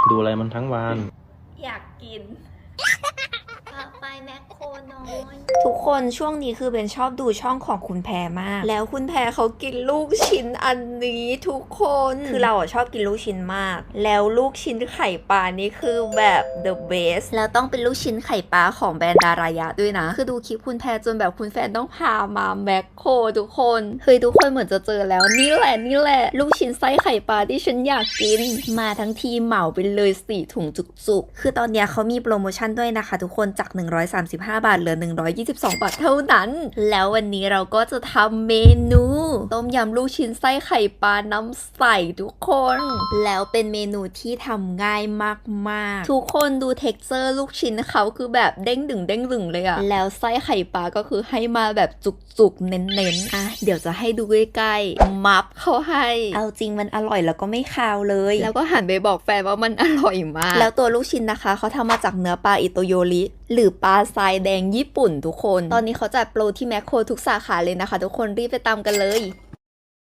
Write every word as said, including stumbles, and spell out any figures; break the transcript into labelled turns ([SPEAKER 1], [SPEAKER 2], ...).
[SPEAKER 1] ดูอะไรมันทั้งวัน
[SPEAKER 2] อยากกินพาไปแมคโครน้อย
[SPEAKER 3] ทุกคนช่วงนี้คือเป็นชอบดูช่องของคุณแพรมากแล้วคุณแพรเขากินลูกชิ้นอันนี้ทุกคนคือเราอะชอบกินลูกชิ้นมากแล้วลูกชิ้นไข่ปลานี่คือแบบ the best แล้วต้องเป็นลูกชิ้นไข่ปลาของแบรนด์ดารายะด้วยนะคือดูคลิปคุณแพรจนแบบคุณแฟนต้องพามาแมคโครทุกคนเฮ้ยทุกคนเหมือนจะเจอแล้วนี่แหละนี่แหละลูกชิ้นไส้ไข่ปลาที่ฉันอยากกินมาทั้งทีเหมาไปเลยสี่ถุงจุกๆคือตอนเนี้ยเขามีโปรโมชั่นด้วยนะคะทุกคนจากหนึ่งร้อยสามสิบห้าบาทเหลือหนึ่งร้อยยี่สิบสองบาทเท่านั้นแล้ววันนี้เราก็จะทำเมนูต้มยำลูกชิ้นไส้ไข่ปลาน้ำใสทุกคนแล้วเป็นเมนูที่ทำง่ายมากๆทุกคนดูเท็กเจอร์ลูกชิ้นเขาคือแบบเด้งดึงเด้งดึงเลยอะแล้วไส้ไข่ปลาก็คือให้มาแบบจุกๆเน้นๆอ่ะเดี๋ยวจะให้ดูใกล้ๆมับเข้าให้เอาจริงมันอร่อยแล้วก็ไม่คาวเลยแล้วก็หันไปบอกแฟนว่ามันอร่อยมากแล้วตัวลูกชิ้นนะคะเขาทำมาจากเนื้อปลาอิโตโยริหรือปลาทรายแดงญี่ปุ่นทุกคนตอนนี้เขาจัดโปรที่แมคโครทุกสาขาเลยนะคะทุกคนรีบไปตามกันเลย